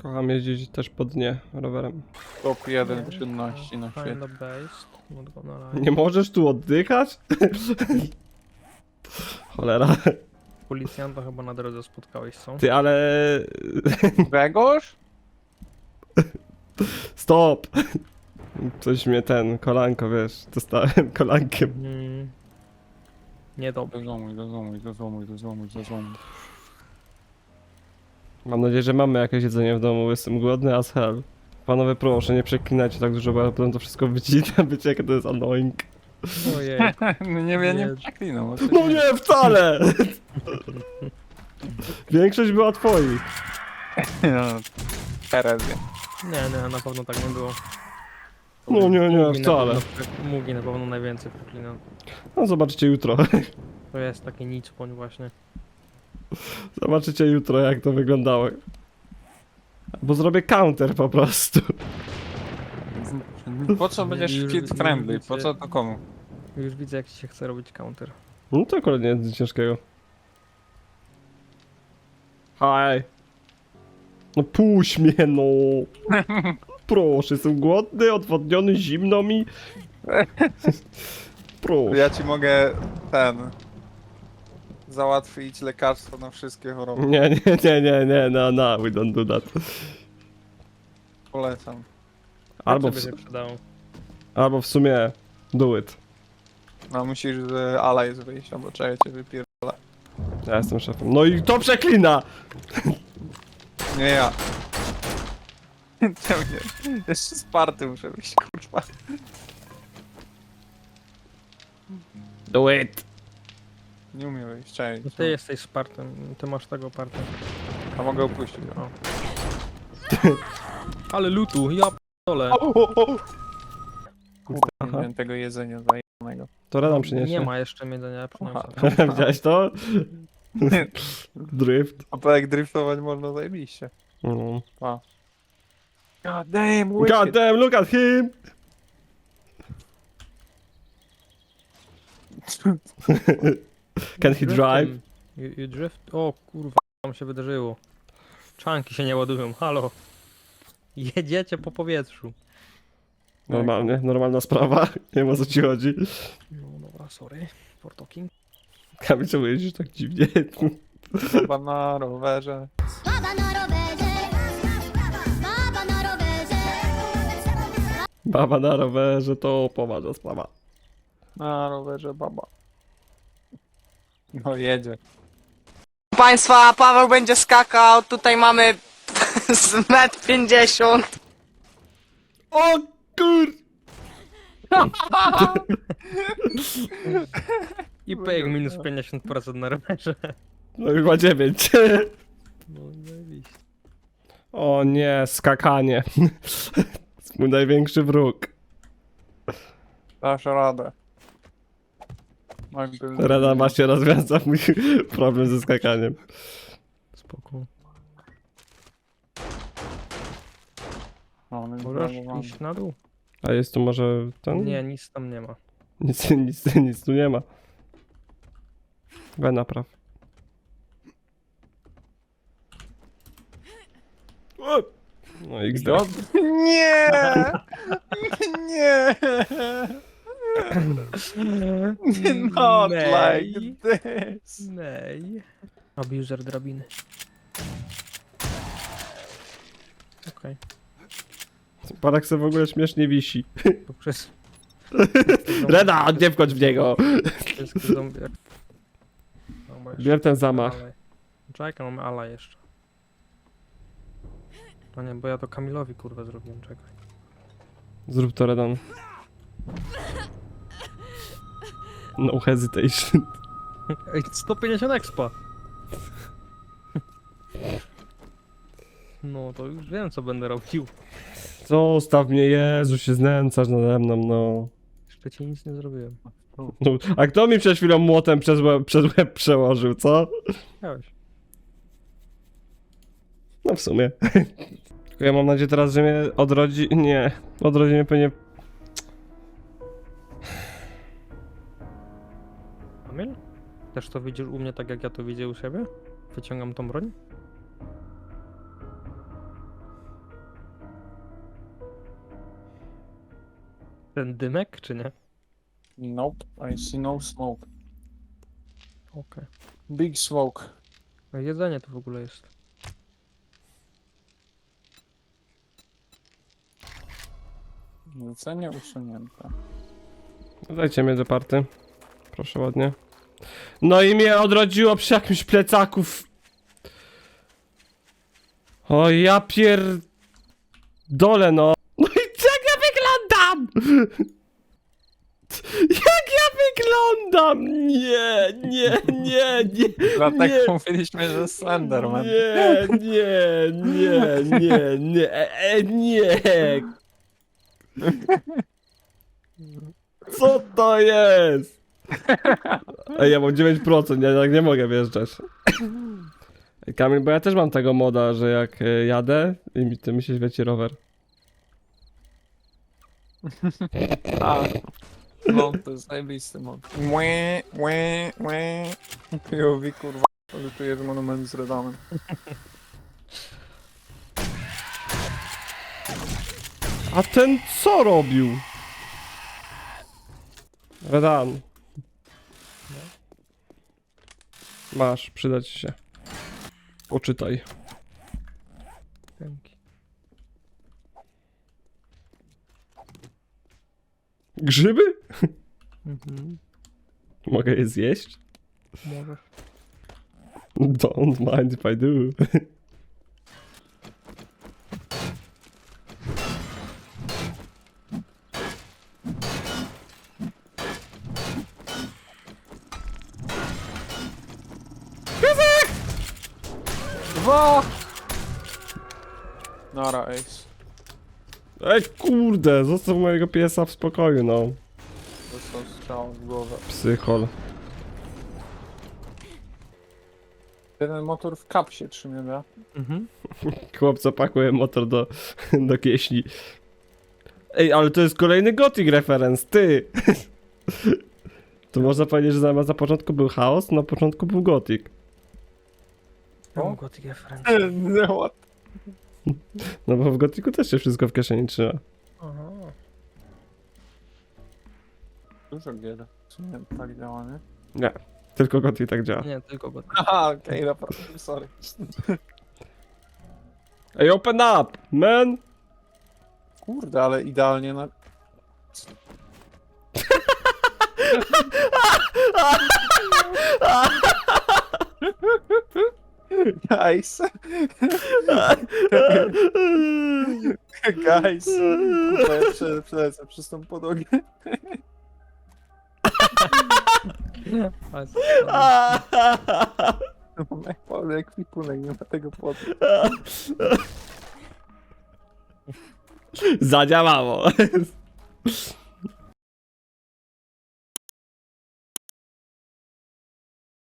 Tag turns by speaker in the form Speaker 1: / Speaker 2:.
Speaker 1: Kocham jeździć też po dnie rowerem.
Speaker 2: Top 1 czynności na
Speaker 3: Find
Speaker 2: świecie.
Speaker 3: a base. Not gonna lie.
Speaker 1: Nie możesz tu oddychać? Cholera.
Speaker 3: Policjanta chyba na drodze spotkałeś, co?
Speaker 1: Ty, ale...
Speaker 2: Grzegorz?
Speaker 1: Stop! Coś mnie kolanko, wiesz, dostałem kolankiem.
Speaker 3: Niedobrze.
Speaker 2: Dozomuj.
Speaker 1: Mam nadzieję, że mamy jakieś jedzenie w domu, jestem głodny as hell. Panowie, proszę, nie przeklinajcie tak dużo, bo ja potem to wszystko wycinam, wiecie jakie to jest annoying.
Speaker 3: Ojej.
Speaker 2: Ja nie
Speaker 3: Nie.
Speaker 2: przeklinam.
Speaker 1: No nie, wcale! Większość była twoich.
Speaker 2: Herezja.
Speaker 3: Nie, na pewno tak nie było.
Speaker 1: No nie,
Speaker 3: Mugi
Speaker 1: wcale.
Speaker 3: Mugi na pewno najwięcej przeklinał.
Speaker 1: No zobaczycie jutro.
Speaker 3: To jest taki nicpoń właśnie.
Speaker 1: Zobaczycie jutro, jak to wyglądało. Bo zrobię counter po prostu.
Speaker 2: Po co będziesz kid friendly? Po co to komu?
Speaker 3: Już widzę jak ci się chce robić counter.
Speaker 1: No to akurat nie jest nic ciężkiego. Haj. No puść mnie, no. Proszę, jestem głodny, odwodniony, zimno mi. Proszę.
Speaker 2: Ja ci mogę załatwić lekarstwo na wszystkie choroby.
Speaker 1: Nie, no, we don't do that.
Speaker 2: Polecam.
Speaker 1: Albo
Speaker 3: by
Speaker 1: w,
Speaker 3: się przydało.
Speaker 1: albo w sumie do it.
Speaker 2: No musisz z Allies wyjść, albo trzeba cię wypierdolać.
Speaker 1: Ja jestem szefem. No i to przeklina!
Speaker 2: Nie ja. Czemu nie? Jeszcze Sparty muszę wyjść, kurwa.
Speaker 1: Do it!
Speaker 2: Nie umiem wyjść, cześć.
Speaker 3: No ty jesteś Spartem, ty masz tego parta.
Speaker 2: A mogę opuścić.
Speaker 3: O. Ale lutu, ja p***dolę.
Speaker 2: Kurwa, nie
Speaker 1: Aha.
Speaker 2: miałem tego jedzenia zajebanego.
Speaker 1: To Redam przyniesie.
Speaker 3: Nie ma jeszcze jedzenia, przyniosę.
Speaker 1: Widziałeś to? Drift.
Speaker 2: A to jak driftować można zajebiście.
Speaker 1: Mm.
Speaker 2: God damn,
Speaker 1: God damn, look at him! Can he drive?
Speaker 3: You drift? O kurwa, tam się wydarzyło. Czanki się nie ładują, halo. Jedziecie po powietrzu.
Speaker 1: Normalnie, normalna sprawa. Nie wiem o co ci chodzi.
Speaker 3: No dobra, sorry for talking.
Speaker 1: Kamil, czemu jeździsz tak dziwnie?
Speaker 2: Chyba na rowerze.
Speaker 4: Baba na rowerze, baba na rowerze.
Speaker 1: Baba na rowerze to poważna sprawa.
Speaker 2: Na rowerze baba. No jedzie.
Speaker 5: Państwa, Paweł będzie skakał, tutaj mamy z 1,50 m.
Speaker 1: O kur...
Speaker 3: I pejk minus 50% na rowerze.
Speaker 1: No chyba 9.
Speaker 3: No zajebiście.
Speaker 1: O nie, skakanie. To jest mój największy wróg.
Speaker 2: Dasz radę.
Speaker 1: Rada właśnie rozwiąza mój problem ze skakaniem.
Speaker 3: Spoko.
Speaker 2: No,
Speaker 3: Możesz iść na dół?
Speaker 1: A jest tu może ten?
Speaker 3: Nie, nic tam nie ma.
Speaker 1: Nic tu nie ma. We napraw. O! No XD.
Speaker 2: Nie! Nie! Not like this.
Speaker 3: Nej. Abuser drabiny. Okej.
Speaker 1: Parak se w ogóle śmiesznie wisi.
Speaker 3: To przez...
Speaker 1: Reda, nie wchodź w niego!
Speaker 3: Wszystkie zombie... Dobra, jeszcze
Speaker 1: Bier ten zamach.
Speaker 3: Alaj. Czekaj, mamy ala jeszcze. No nie, bo ja to Kamilowi kurwa zrobiłem, czekaj.
Speaker 1: Zrób to, Redan. No hesitation.
Speaker 3: Ej, 150 expa! No to już wiem co będę robił.
Speaker 1: Zostaw mnie, Jezu, się znęcasz nade mną, no.
Speaker 3: Jeszcze ci nic nie zrobiłem.
Speaker 1: No, a kto mi przed chwilą młotem przez łeb przełożył, co?
Speaker 3: Chciałeś.
Speaker 1: No w sumie. Tylko ja mam nadzieję teraz, że mnie odrodzi... Nie. Odrodzi mnie pewnie...
Speaker 3: Kamil? Też to widzisz u mnie tak jak ja to widzę u siebie? Wyciągam tą broń? Ten dymek, czy nie?
Speaker 2: Nope, I see no smoke.
Speaker 3: Okej.
Speaker 2: Big smoke.
Speaker 3: No jedzenie to w ogóle jest.
Speaker 2: Zlecenie usunięte.
Speaker 1: Dajcie mnie do party. Proszę ładnie. No i mnie odrodziło przy jakimś plecaków. O ja dole no. No i jak ja wyglądam? Jak ja wyglądam? Nie, nie, nie, nie.
Speaker 2: Dlatego mówiliśmy, że Slenderman.
Speaker 1: Nie, nie, nie, nie, nie, nie. Co to jest? Ej, ja mam 9%, ja tak nie mogę wjeżdżać. Ej, Kamil, bo ja też mam tego moda, że jak jadę i mi się świeci rower.
Speaker 2: A, no to jest zajebisty mod. Łe. POV kurwa, że tu jest monument z Redanem.
Speaker 1: A ten co robił? Redan. Masz, przyda ci się. Poczytaj.
Speaker 3: Dzięki.
Speaker 1: Grzyby?
Speaker 3: Mhm.
Speaker 1: Mogę je zjeść?
Speaker 3: Możesz.
Speaker 1: Don't mind if I do.
Speaker 2: Dwa! Nara, ace.
Speaker 1: Ej kurde, zostaw mojego piesa w spokoju, no.
Speaker 2: Dostał strzał w głowę.
Speaker 1: Psychol.
Speaker 2: Ten motor w kapsie trzymie, da?
Speaker 3: Mhm.
Speaker 1: Chłopca pakuje motor do kieśni. Ej, ale to jest kolejny Gothic reference, ty! To można powiedzieć, że zamiast na początku był chaos, na początku był Gothic.
Speaker 3: Mam gotyk referencji.
Speaker 2: No what?
Speaker 1: No bo w Gothicu też się wszystko w kieszeni trzyma.
Speaker 3: Aha.
Speaker 2: Dużo gier. W sumie tak działa, nie?
Speaker 1: Nie, tylko Gothic tak działa.
Speaker 3: Nie, tylko gotyk.
Speaker 2: Aha, okej, naprawdę, sorry.
Speaker 1: Ej, open up, man!
Speaker 2: Kurde, ale idealnie na... Guys. Guys. Kurde, ja przelecę przez tą podłogę. Mam jak pełny ekwipunek, nie ma tego płotu.
Speaker 1: Zadziałało.